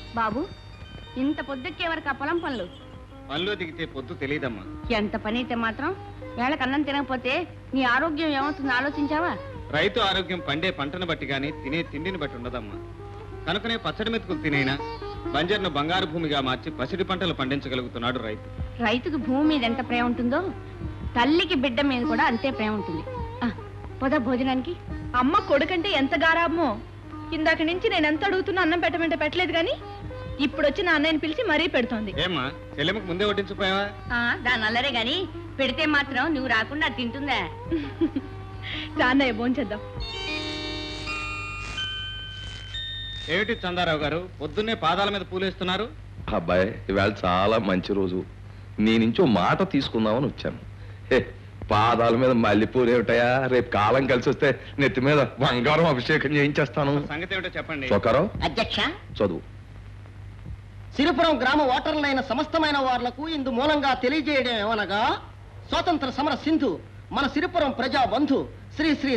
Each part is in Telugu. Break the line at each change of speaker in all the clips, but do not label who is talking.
బాబు, ఇంత పొద్దుక్కే వరకు ఆ పొలం పనులు?
పనిలో దిగితే పొద్దు తెలియదమ్మా.
ఎంత పని అయితే మాత్రం వేళకు అన్నం తినకపోతే నీ ఆరోగ్యం ఏమవుతుందో ఆలోచించావా?
రైతు ఆరోగ్యం పండే పంటను బట్టి గాని తినే తిండిని బట్టి ఉండదమ్మా. కనుకనే పచ్చడి మెతుకులు తినైనా బంజర్ను బంగారు భూమిగా మార్చి పసిడి పంటలు పండించగలుగుతున్నాడు రైతు.
రైతుకు భూమి మీద ఎంత ప్రేమ ఉంటుందో తల్లికి బిడ్డ మీద కూడా అంతే ప్రేమ ఉంటుంది. పొద భోజనానికి.
అమ్మ కొడుకంటే ఎంత గారాబమో. ఇందాక నుంచి నేను ఎంత అడుగుతున్నా అన్నం పెట్టమంటే పెట్టలేదు గాని ఇప్పుడు వచ్చి నా అన్నయ్యని పిలిచి మరీ పెడుతోంది.
ఏమ్మా చెల్లెమ్మకు ముందే వడ్డించిపోయావా?
దాని అల్లరే గాని పెడితే మాత్రం నువ్వు రాకుండా తింటుందా?
అన్నయ్య భోంచేద్దాం.
ఏమిటి చందారావు గారు పొద్దున్నే పాదాల మీద పూలేస్తున్నారు?
అబ్బాయి ఇవాళ చాలా మంచి రోజు, నీ నుంచి మాట తీసుకుందామని వచ్చాను. పాదాల మీద మల్లెపూలు ఏమిటయా, రేపు కాలం కలిసి వస్తే నెత్తి మీద బంగారం అభిషేకం చేయించేస్తాను.
సంగతి ఏమిటో చెప్పండి.
చొక్కారావు
అధ్యక్ష,
చదువు.
సిరిపురం గ్రామ ఓటర్లైన సమస్తమైన వార్లకు ఇందు మూలంగా తెలియజేయడం ఏమనగా, స్వాతంత్ర సమర సింధు మన సిరిపురం ప్రజా బంధు శ్రీ శ్రీ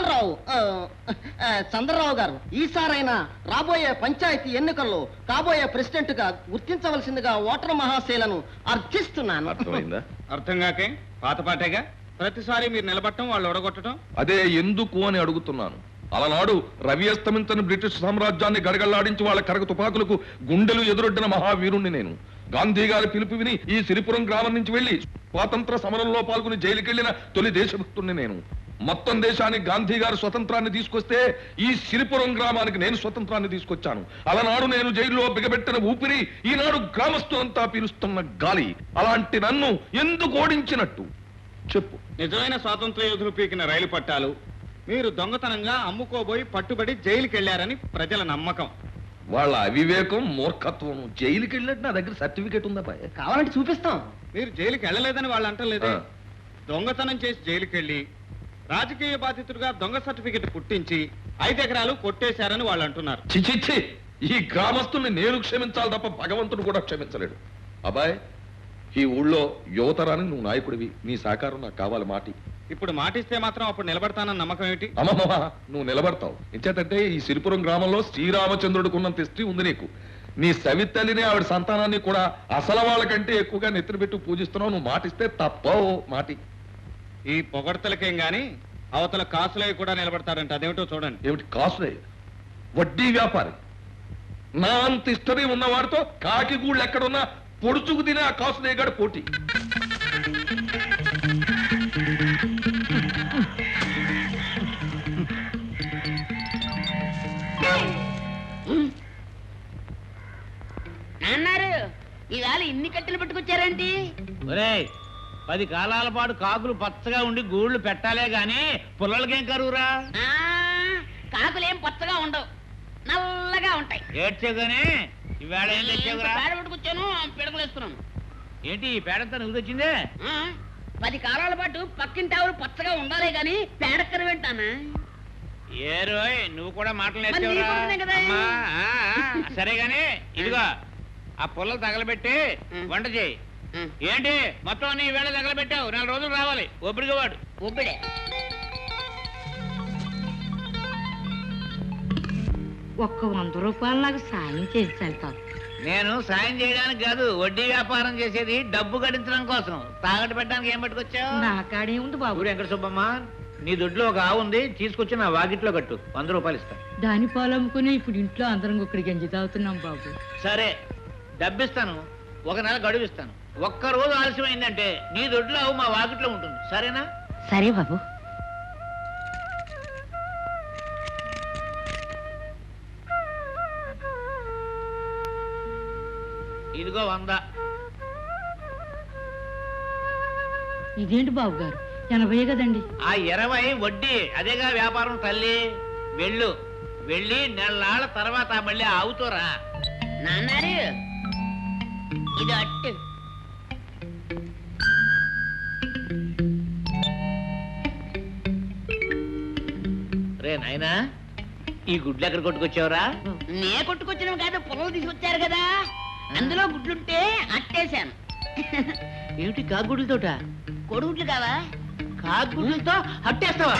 చంద్రరావు గారు ఈసారైనా రాబోయే పంచాయతీ ఎన్నికల్లో కాబోయే ప్రెసిడెంట్ గా గుర్తించవలసిందిగా ఓటర్ మహాశైలను అర్థిస్తున్నాను.
అర్థమైందా?
అర్థం కాకే పాతపాటేగా ప్రతిసారి మీరు నిలబట్టడం వాళ్ళు ఒడగొట్టడం.
అదే ఎందుకు అని అడుగుతున్నాను. అలనాడు రవి అస్తమించని బ్రిటిష్ సామ్రాజ్యాన్ని గడగళ్లాడించి వాళ్ళ కరగ తుపాకులకు గుండెలు ఎదురొడ్డిన మహావీరుణ్ణి నేను. గాంధీ గారి పిలుపు విని ఈ సిరిపురం గ్రామం నుంచి వెళ్లి స్వాతంత్ర సమరంలో పాల్గొని జైలుకెళ్లిన తొలి దేశభక్తుణ్ణి నేను. మొత్తం దేశానికి గాంధీ గారు స్వతంత్రాన్ని తీసుకొస్తే ఈ సిరిపురం గ్రామానికి నేను స్వతంత్రాన్ని తీసుకొచ్చాను. అలనాడు నేను జైల్లో బిగబెట్టిన ఊపిరి ఈనాడు గ్రామస్తులంతా పీలుస్తున్న గాలి. అలాంటి నన్ను ఎందుకు ఓడించినట్టు చెప్పు.
నిజమైన స్వాతంత్ర యోధులు పీకిన రైలు పట్టాలు మీరు దొంగతనంగా అమ్ముకోబోయి పట్టుబడి జైలుకి వెళ్లారని ప్రజల నమ్మకం.
వాళ్ళ అవివేకం, మూర్ఖత్వం. జైలుకి వెళ్ళినట్టు నా దగ్గర సర్టిఫికేట్ ఉందా బాయ్?
కావాలంటే చూపిస్తాం.
మీరు జైలుకి వెళ్ళలేదని వాళ్ళు అంటలేదే. దొంగతనం చేసి జైలుకి వెళ్ళి రాజకీయ బాధితుడిగా దొంగ సర్టిఫికెట్ పుట్టించి 5 ఎకరాలు కొట్టేశారని వాళ్ళు అంటున్నారు.
చిచిచ్చి, ఈ గ్రామస్తుల్ని నేను క్షమించాలి తప్ప భగవంతుడు కూడా క్షమించలేడు. అబ్బాయ్, ఈ ఊళ్ళో యువతరానికి నువ్వు నాయకుడివి, నీ సహకారం నాకు కావాలి. మాటి
ఇప్పుడు మాటిస్తే మాత్రం అప్పుడు నిలబడతానన్న నమ్మకం ఏమిటి?
అమ్మమ్మ, నువ్వు నిలబడతావు. ఎంచేతంటే ఈ సిరిపురం గ్రామంలో శ్రీరామచంద్రుడికి ఉన్నంత హిస్టరీ ఉంది నీకు. నీ సవితల్లిని ఆవిడ సంతానాన్ని కూడా అసలు వాళ్ళకంటే ఎక్కువగా నెత్తిన పెట్టి పూజిస్తున్నావు. నువ్వు మాటిస్తే తప్పవు. మాటి.
ఈ పొగడ్తలకేం గాని అవతల కాసులవి కూడా నిలబడతారంట. అదేమిటో చూడండి.
ఏమిటి కాసులే? వడ్డీ వ్యాపారి. నా అంత హిస్టరీ ఉన్నవాడితో కాకి గూళ్ళు ఎక్కడున్నా పొడుచుకు తినే ఆ కాసులేగాడు పోటీ.
అన్నారు ఇవాళ ఇన్ని కట్టెలు పట్టుకొచ్చారేంటి?
10 కాలాల పాటు కాకులు పచ్చగా ఉండి గూళ్ళు పెట్టాలే గాని పుల్లలకేం కరువురా?
కాకులేం పచ్చగా ఉండవు, నల్లగా ఉంటాయి.
ఏడ్చేగానే ఇవాళ ఏం తెచ్చావురా?
పేడ పట్టుకొచ్చాను, పిడకలేస్తున్నాను.
ఏంటి ఈ పేడంతా నువ్వు తెచ్చిందే?
10 కాలాల పాటు పక్కింటి ఆవులు పచ్చగా ఉండాలి గాని పేడక్కర వింటానా?
ఏ రోయ్, నువ్వు కూడా మాటలు నేర్చావురా? సరే గాని ఇదిగో ఆ పుల్లలు తగలబెట్టి వంట చేయి. ఏంటి మొత్తం నీ వేళ తగలబెట్టావు? 4 రోజులు రావాలి. ఒబ్బడిగా వాడు.
ఒబ్బిడే
ఒక్క 100 రూపాయలు నాకు సాయం చేసి వెళ్తాను.
నేను సాయం చేయడానికి కాదు, వడ్డీ వ్యాపారం చేసేది డబ్బు గడించడం కోసం. తాగట్టు పెట్టడానికి ఏం పట్టుకొచ్చావు?
నా కాడే ఉంది బాబు.
వెంకట సుబ్బమ్మ, నీ దొడ్లో ఒక ఆవు ఉంది, తీసుకొచ్చి నా వాకిట్లో కట్టు. 100 రూపాయలు ఇస్తా.
దాని పాలు అమ్ముకుని ఇప్పుడు ఇంట్లో అందరం ఒక్కడి గంజి తాగుతున్నాం బాబు.
సరే, డబ్బిస్తాను. 1 నెల గడువు ఇస్తాను. 1 రోజు ఆలస్యమైందంటే నీ దొడ్లో ఆవు మా వాకిట్లో ఉంటుంది. సరేనా?
సరే బాబు.
ఇదిగో 100.
ఇదేంటి బాబు గారు, 80 కదండి.
ఆ 20 వడ్డీ. అదేగా వ్యాపారం తల్లి. వెళ్ళు, వెళ్ళి నెలనాళ్ళ తర్వాత మళ్ళీ ఆవుతోరా.
నాన్నారు ఇది అట్టు.
రే నాయనా, ఈ గుడ్లు ఎక్కడ కొట్టుకొచ్చావురా?
నే కొట్టుకొచ్చినవి కాదు, పొలం తీసుకొచ్చారు కదా, అందులో గుడ్లుంటే అట్టేశాను.
ఏమిటి కాకుగుడ్లతోట?
కొడుగుడ్లు కావా?
కాకుగుడ్లతో అట్టేస్తావా?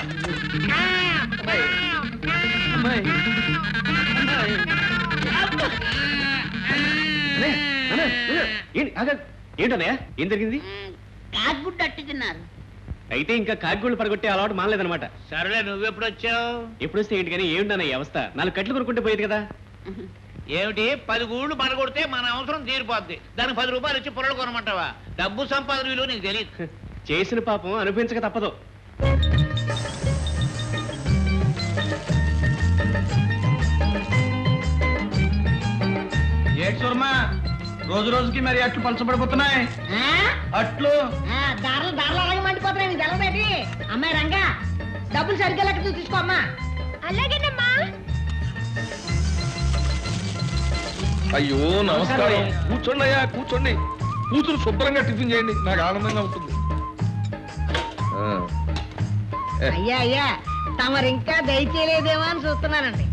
ఏంటన్నయ్య ఏం జరిగింది?
కాకుగుడ్డు అట్టు తిన్నారు.
అయితే ఇంకా కాకిగూళ్ళు పడగొట్టే అలవాటు మానలేదన్నమాట.
సరేలే, నువ్వెప్పుడు వచ్చావు?
ఎప్పుడు వస్తే ఏంటి కానీ ఏమిటన్నయ్య అవస్థ? 4 కట్లు కొనుక్కుంటే పోయేది కదా.
ఏమిటి 10 గూళ్ళు పడగొడితే మన అవసరం తీరిపోద్ది, దానికి 10 రూపాయలు ఇచ్చి పొరలు కొనమంటావా? డబ్బు సంపాదన విలువ నీకు తెలియదు.
చేసిన పాపం అనుభవించక తప్పదు.
రోజు రోజుకి మరి అట్లు పలచబడిపోతున్నాయి. అట్లు
దారులు దారులు అలాగే మండిపోతున్నాయి. నీకు తెలవేటి? అమ్మాయి రంగా, డబ్బులు సరిగ్గా లెక్క తీసుకో అమ్మా.
అలాగేనమ్మా.
అయ్యో నమస్కారం. కూర్చోండి అయ్యా, కూర్చోండి. కూతురు శుభ్రంగా టిఫిన్ చేయండి, నాకు ఆనందంగా ఉంటుంది.
అయ్యా అయ్యా, తమరు ఇంకా దయచేయలేదేమో అని చూస్తున్నానండి.